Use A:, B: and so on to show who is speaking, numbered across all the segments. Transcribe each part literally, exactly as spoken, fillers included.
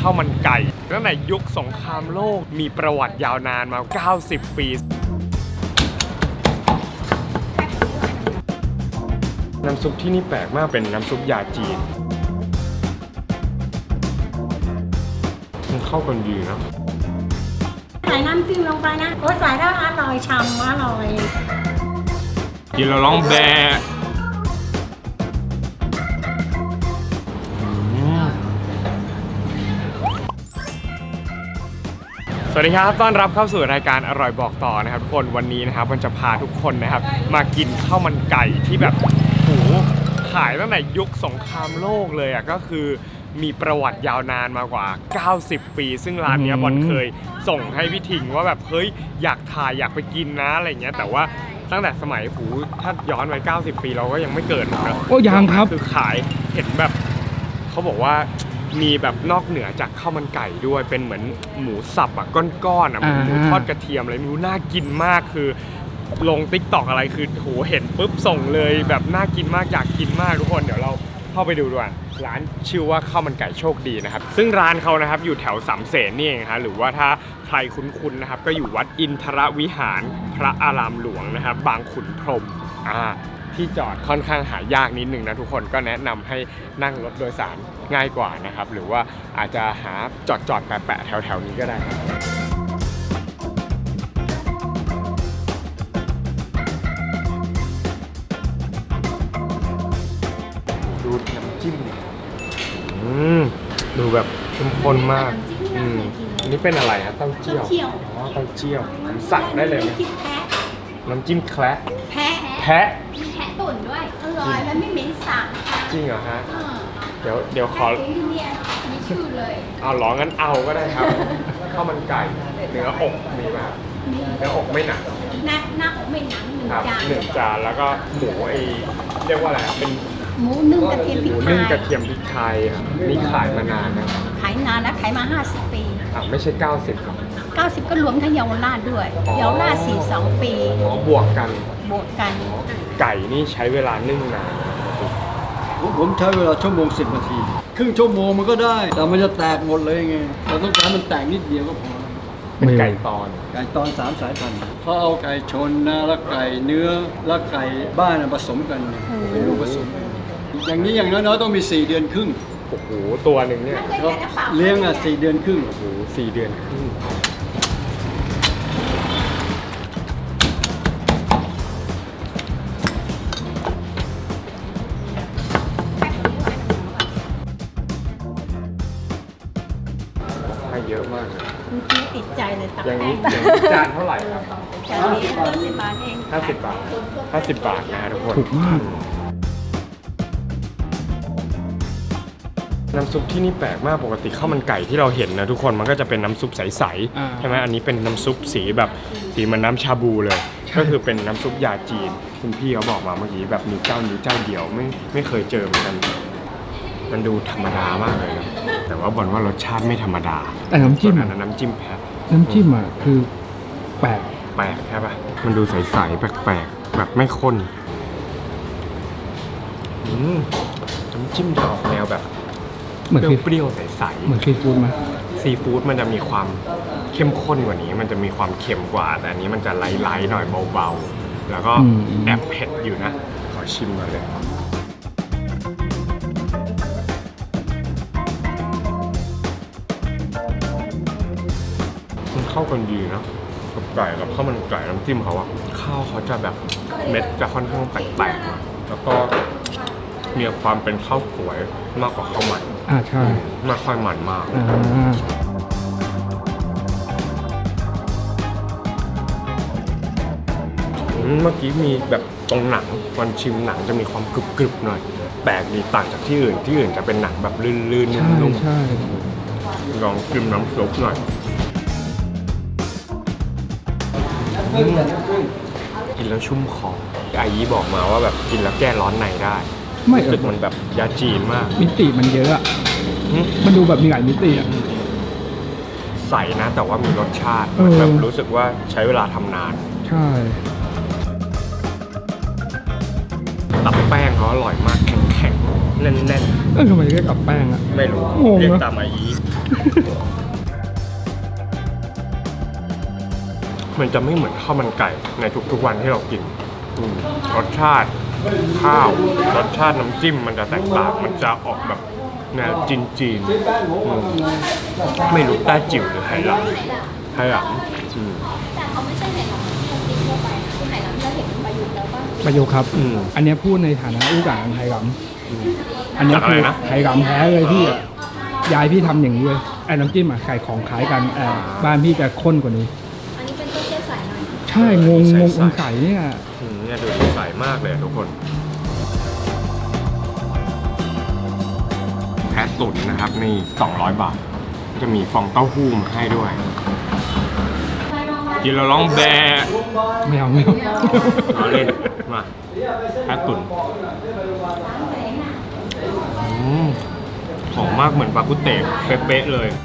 A: าวมันไก่ตั้งแต่ยุคสงครามโลกมีประวัติยาวนานมาเก้าสิบปีน้ำซุปที่นี่แปลกมากเป็นน้ำซุปยาจีนมันเข้ากันดีนะ
B: ใส่น้ำจิ้มลงไปนะโอ้ใส่แล้วอร่อยฉ่ำอร่อย
A: กินแล้วร้องแบะสวัสดีครับต้อนรับเข้าสู่รายการอร่อยบอกต่อนะครับทุกคนวันนี้นะครับมันจะพาทุกคนนะครับมากินข้าวมันไก่ที่แบบโหขายตั้งแต่ยุคสงครามโลกเลยอ่ะก็คือมีประวัติยาวนานมากว่าเก้าสิบปีซึ่งร้านนี้บอลเคยส่งให้พี่ถิงว่าแบบเฮ้ยอยากถ่ายอยากไปกินนะอะไรเงี้ยแต่ว่าตั้งแต่สมัยหูถ้าย้อนไปเก้าสิบปีเราก็ยังไม่เกิดนะ
C: โอ้ยังครับ
A: คือขายเห็นแบบเขาบอกว่ามีแบบนอกเหนือจากข้าวมันไก่ด้วยเป็นเหมือนหมูสับอะก้อนๆอะหมูทอดกระเทียมอะไรไม่รู้น่ากินมากคือลงติ๊กต็อกอะไรคือโหเห็นปุ๊บส่งเลยแบบน่ากินมากอยากกินมากทุกคนเดี๋ยวเราเข้าไปดูด้วยร้านชื่อว่าข้าวมันไก่โชคดีนะครับซึ่งร้านเขานะครับอยู่แถวสามเสนนี่เองฮะหรือว่าถ้าใครคุ้นๆนะครับก็อยู่วัดอินทรวิหารพระอารามหลวงนะครับบางขุนพรหมอ่าที่จอดค่อนข้างหายากนิดนึงนะทุกคนก็แนะนำให้นั่งรถโดยสารง่ายกว่านะครับหรือว่าอาจจะหาจอดจอดแปะๆแถวๆนี้ก็ได้ครับดูน้ำจิ้มอืมดูแบบเข้มข้นมากอืมอันนี้เป็นอะไรฮะเต้าเจี้ยวอ๋อเต้าเจี้ยวสั่งได้เลยไหมน้ำจิ้มแคระ
B: แพะ
A: แพะ
B: มีแพะตุ๋นด้วยอร่อยแล้วไม่เหม็นสาบ
A: จริงเหรอฮะเดี๋ยวเดี๋ยวขอ
B: ที่นี่มีชื่อเลย
A: เอาหรองั้นเอาก็ได้ครับข้าวมันไก่เนื้ออกมีป่ะเนื้ออกไม่หนัก
B: หน้าหน้าอกไม่หนักหนึ่งจาน
A: หนึ่งจานแล้วก็หมูไอเรียกว่าอะไรเป็น
B: หมูนึ่งกระเทียมพริกไทย
A: หมูนึ่งกระเทียมพริกไทยนี่ขายมานานนะ
B: ขายนานแล้วขายมาห้าสิบปี
A: อ่ะไม่ใช่เก้าสิบหรอ
B: เก้าสิบก็รวมทั้งเยาวราชด้วยเยาวราชสี่สิบสองปี
A: อ๋อบวกกัน
B: บวกกัน
A: ไก่นี่ใช้เวลานึ่งนาน
C: ผมใช้เวลาชั่วโมงสิบนาทีครึ่งชั่วโมงมันก็ได้แต่มันจะแตกหมดเลยไงเราต้องการมันแตกนิดเดียวก็พอ
A: เป็นไก่ตอน
C: ไก่ตอนสามสายพันธุ์เขาเอาไก่ชนนะแล้วไก่เนื้อแล้วไก่บ้านผสมกันเป็นลูกผสมอย่างนี้อย่างน้อยๆต้องมีสี่เดือนครึ่ง
A: โอ้โหตัวหนึ่งเนี่ย
C: เขาเลี้ยงอ่ะสี่เดือนครึ่ง
A: โอ้โหสี่เดือนครึ่งเยอะมากเลย
B: คุณพี่ติดใจเลยตัก
A: อย่างนี้อย่างนี้จานเท่าไหร่ครับ
B: จานนี้ห้าสิบบาทเอง
A: ห้าสิบบาทห้าสิบบาทนะทุกคน
C: ถูกมาก
A: น้ำซุปที่นี่แปลกมากปกติข้าวมันไก่ที่เราเห็นนะทุกคนมันก็จะเป็นน้ำซุปใสๆใช่ไหมอันนี้เป็นน้ำซุปสีแบบสีเหมือนน้ำชาบูเลยก็คือเป็นน้ำซุปยาจีนคุณพี่เขาบอกมาเมื่อกี้แบบมีเจ้านี้เจ้าเดียวไม่ไม่เคยเจอเหมือนกันมันดูธรรมดามากเลยนะแต่ว่าบอลว่ารสชาติไม่ธรรมดา
C: แต่น้ำจิ้ม
A: อันนั้นน้ำจิ้มแพะ
C: น้ำจิ้มอ่ะคือแปลก
A: แปลกใช่ป่ะมันดูใสๆแปลกๆแบบไม่ข้นอืมน้ำจิ้มจะออกแนวแบบ
C: เหมือน
A: เปรี้ยวๆใสๆ
C: เหมือนซีฟู้ดไหม
A: ซีฟู้ดมันจะมีความเข้มข้นกว่านี้มันจะมีความเค็มกว่าแต่อันนี้มันจะไล่ๆหน่อยเบาๆแล้วก็แอบเผ็ดอยู่นะขอชิมมาเลยเข้ากันดีนะกับไก่กับข้าวมันไก่น้ำจิ้มเขาอะข้าวเขาจะแบบเม็ดจะค่อนข้างแตกๆแล้วก็มีความเป็นข้าวสวยมากกว่าข้าวมัน
C: อ่าใช่
A: ไม่ค่อยมันมาก
C: อ่า
A: เมื่อกี้มีแบบตรงหนังวันชิมหนังจะมีความกรึบๆหน่อยแปลกดีต่างจากที่อื่นที่อื่นจะเป็นหนังแบบลื่นๆนุ่มๆลองชิมน้ำซุปหน่อยกินแล้วชุ่มคออายีบอกมาว่าแบบกินแล้วแก้ร้อนในได้
C: ไม่
A: รู้สึกมันแบบยาจีนมาก
C: มิติมันเยอะอะมันดูแบบมีหลายมิติอะ
A: ใส่นะแต่ว่ามีรสชาติแบบรู้สึกว่าใช้เวลาทำนาน
C: ใช่
A: ตับแป้งเขาอร่อยมากแข็งๆแน่นๆ
C: เออทำไมเรียกตับแป้งอะ
A: ไม่รู้เรียกตามอายีมันจะไม่เหมือนข้าวมันไก่ในทุกๆวันที่เรากินอืมรสชาติข้าวรสชาติน้ำจิ้มมันจะแตกต่างมันจะออกแบบแนวจีนจีนๆอืมไม่รู้แต้จิ๋วหรือไหหลำไหหลำอืม
D: แต่เขาไม่ใช่ไหหลำที่ทั่วไปนะคือไหหลำที่เราเห็นประยุกต์แล้วป่ะ
E: ประโยคครับ
A: อืม
E: อันเนี้ยพูดในฐานะอู้กลางไทยรำอันเนี้ย
A: จากอะไร
E: คือ
A: นะ
E: ไทยรำแท้เลยพี่อะยายพี่ทำอย่างนี้เลยไอ้น้ำจิ้มอะไก่ของคล้ายกันแต่บ้านพี่จะข้นกว่านี้
D: อันนี้เป็นต้นเตี้ยสายใน
E: ใช่งงงง
A: ใส่
E: องไก่เนี่ย
A: อืมเนี่ยดูดีใสมากเลยอะทุกคนแพะตุ๋นนะครับนี่สองร้อยบาทจะมีฟองเต้าหู้มาให้ด้วยกินแล้วร้องแบะ
E: ไม่เอาไม่เอา
A: เอาเล่นมาแพะตุ๋นอืมหอมมากเหมือนปลากุเตะเป๊ะๆเลย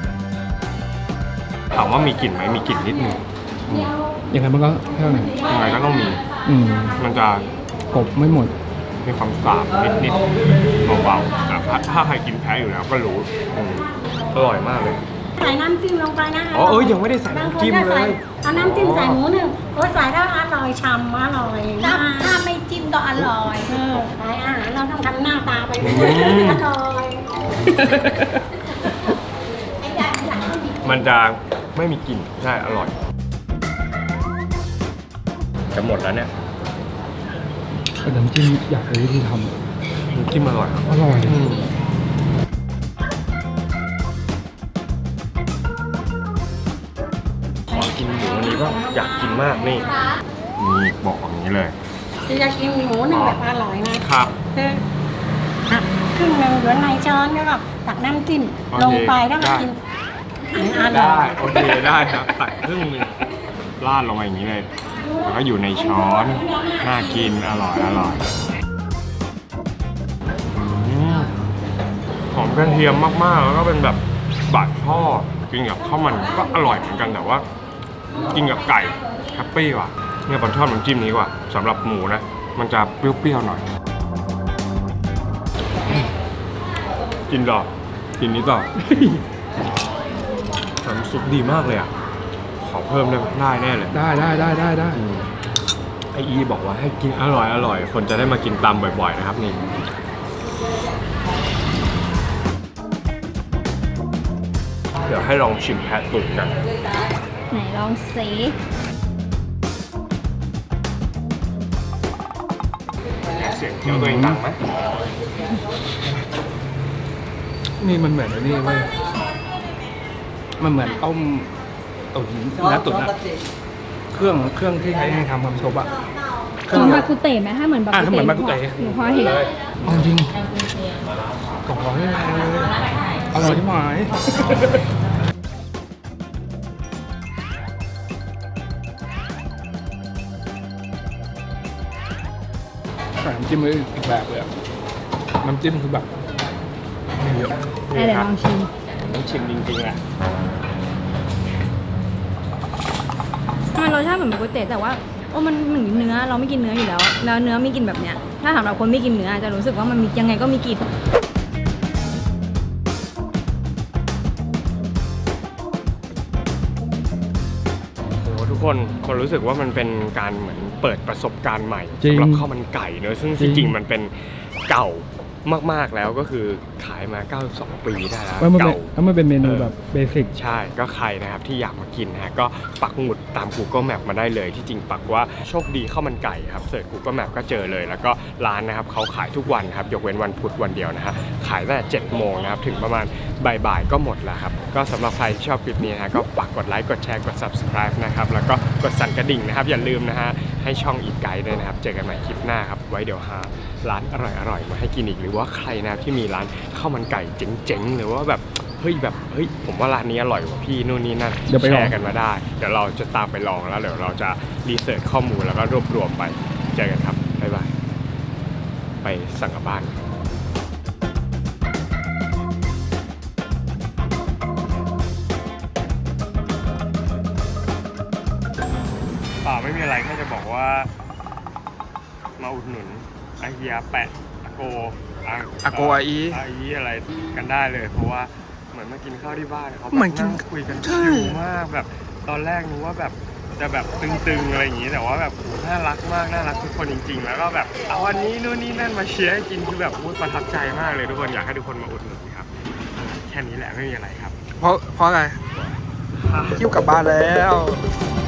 A: ถามว่ามีกลิ่นไหมมีกลิ่นนิดนึงอืม
E: อย่างไรมันก็เท่านั้น
A: ยังไงก็ต้องมี
E: อืม
A: มันจะ
E: กบไม่หมด
A: มีความสาบนิดๆเบาๆแต่ถ้าถ้าใครกินแพ้อยู่แล้วก็รู้อืมอร่อยมากเลย
B: ใส่น้ำจิ้มลงไปนะ
A: อ๋อเอ้ยยังไม่ได้ใส่น้ำจิ้มเลย
B: เอาน้ำจิ้มใส่หมูหนึ่งโอ้ยใส่แล้วอร่อยฉ่ำอร่อย
D: ถ้าม
B: าก
D: ถ้าไม่จิ้มก็อร่อย
B: เออขายอาหารเราต้องทำหน้าตาไปเรื่อย
A: อืม
B: ๆอร่อย
D: ไอ้ยายหลังก็มี
A: มันจะไม่มีกลิ่นใช่อร่อยจะหมดแล้วเนี่ย
E: แต่น้ำจิ้มอยากรู้วิธีท
A: น้ำจิ้มอร่อยครับ
E: ำอร่อย
A: อืมขอกินหมูอันนี้ก็อยากกินมากนี่นี่บอกอย่างนี้เลย
B: ที่จะกินหมูหนึ่งแบบอร่อยนะครับ คือหักครึ่งหนึ่งเหลือในช้อนแล้วก็ตักน้ำจิ้ม
A: โอเค
B: ลงไปแล้วก็
A: ได้
B: กินอันอร่
A: ได้
B: อย
A: โอเคได้ครับตักครึ่งหนึงราดลงไปอย่างนี้เลยแล้วก็อยู่ในช้อนน่ากินอร่อยอร่อยอืมหอมกระเทียมมากๆ แล้วก็เป็นแบบบาดทอดกินกับข้าวมันก็อร่อยเหมือนกันแต่ว่า กินกับไก่แฮปปี้ว่ะเนี่ยผมชอบน้ำจิ้มนี้กว่าสำหรับหมูนะ มันจะเปรี้ยวๆหน่อย กินต่อกินนี้ต่อ น้ำซุปดีมากเลยอ่ะ ขอเพิ่มได้ไหมได้แน่เลย
E: ได้ได้ได้ได้ได้
A: อืมไออีบอกว่าให้กินอร่อยอร่อยคนจะได้มากินตามบ่อยๆนะครับนี่เดี๋ยวให้ลองชิมแพะตุ๋นกัน
D: ไหนลองสิ
A: เสียงเคี้ยวตัวเองดังไหม
E: นี่มันเหมือนไอ้นี่เว้ยมันเหมือนต้มตุ๋นเนื้อตุ๋นอะเครื่องเครื่องที่ใช้ในทำความซุปอะเค
D: เห
E: รื่อง
D: มือน
E: เนี้
D: บาย กุเตะไหมถ้าเหมือนบา
E: อ่ะ
D: กุ
E: ถ้าเหมื
D: เตะ
E: อนบากุเตะ
D: หนูพอเห็น
E: เอาจริงสองร้อยเลยอร่อยที่หมายแต่น้ำจิ้มเลยอีกแบบเลยอะน้ำจิ้มคือแบบไม่เยอะ
D: อ่ะเดี๋ยวลองชิม
A: ต้องชิมจริงๆอ่ะ
D: มันรสชาติเหมือนบากุเตะแต่ว่าโอ้มันเหมือนเนื้อเราไม่กินเนื้ออยู่แล้วแล้วเนื้อไม่กินแบบเนี้ยถ้าสำหรับคนไม่กินเนื้อจะรู้สึกว่ามันมียังไงก็มีกลิ่น
A: โอ้โหทุกคนคนรู้สึกว่ามันเป็นการเหมือนเปิดประสบการณ์ใหม่
E: จริง
A: สำหรับข้าวมันไก่เนอะซึ่ง
E: จริ
A: ที่
E: ง
A: จริงมันเป็นเก่ามากๆแล้วก็คือขายมาเก้าสิบสองปีได้แล้ว
E: แล้วมันเป็น
A: เก่า
E: แล้วมันเป็นเมนู
A: เออ
E: แบบเบสิก
A: ใช่ก็ใครนะครับที่อยากมากินนะฮะก็ปักหมุดตาม Google Map มาได้เลยที่จริงปักว่าโชคดีข้าวมันไก่ครับเสิร์ช Google Map ก็เจอเลย แล้วก็ร้านนะครับเขาขายทุกวันครับยกเว้นวันพุธวันเดียวนะฮะขายตั้งแต่เจ็ดโมงนะครับถึงประมาณบ่ายๆก็หมดแล้วครับก็สำหรับใครที่ชอบคลิปนี้นะฮะก็ปักกดไลค์กดแชร์กด Subscribe นะครับแล้วก็กดสั่นกระดิ่งนะครับอย่าลืมนะฮะให้ช่องอีกไกด์ด้วยนะครับเจอกันใหม่คลิปหน้าครับไว้เดี๋ยวหาร้านอร่อยๆมาให้กินอีกหรือว่าใครนะครับที่มีร้านข้าวมันไก่เจ๋งๆหรือว่าแบบเฮ้ยแบบเฮ้ยผมว่าร้านนี้อร่อยกว่าพี่นู่นนี่นั่น
E: เดี๋ยวไป
A: แช
E: ลอง
A: ร์กันมาได้ เดี๋ยวเราจะตามไปลองแล้วเดี๋ยวเราจะรีเสิร์ชข้อมูลแล้วก็รวบรวมไปเจอกันครับบ๊ายบายไปสั่งกลับบ้านป่าไม่มีอะไรแค่จะบอกว่ามาอุดหนุนอาเฮียแปะอาโก
E: อาโกอาอี
A: อาอีอะไรกันได้เลย เพราะว่าเหมือนมากินข้าวที่บ้านเขา
E: เหมือนกิน
A: คุยกัน
E: ใช่
A: ชิลมากแบบตอนแรกนึกว่าแบบจะแบบตึงๆอะไรอย่างงี้แต่ว่าแบบโหน่ารักมากน่ารักทุกคนจริงๆ แล้วก็แบบเอาวันนี้นู่นนี่นั่นมาเชียร์ให้กินคือแบบอุ๊ยประทับใจมากเลยทุกคนอยากให้ทุกคนมาอุดหนุนครับเออแค่นี้แหละไม่มีอะไรครับ
E: เพราะเพราะอะไรคิ้วกลับบ้านแล้ว
A: ค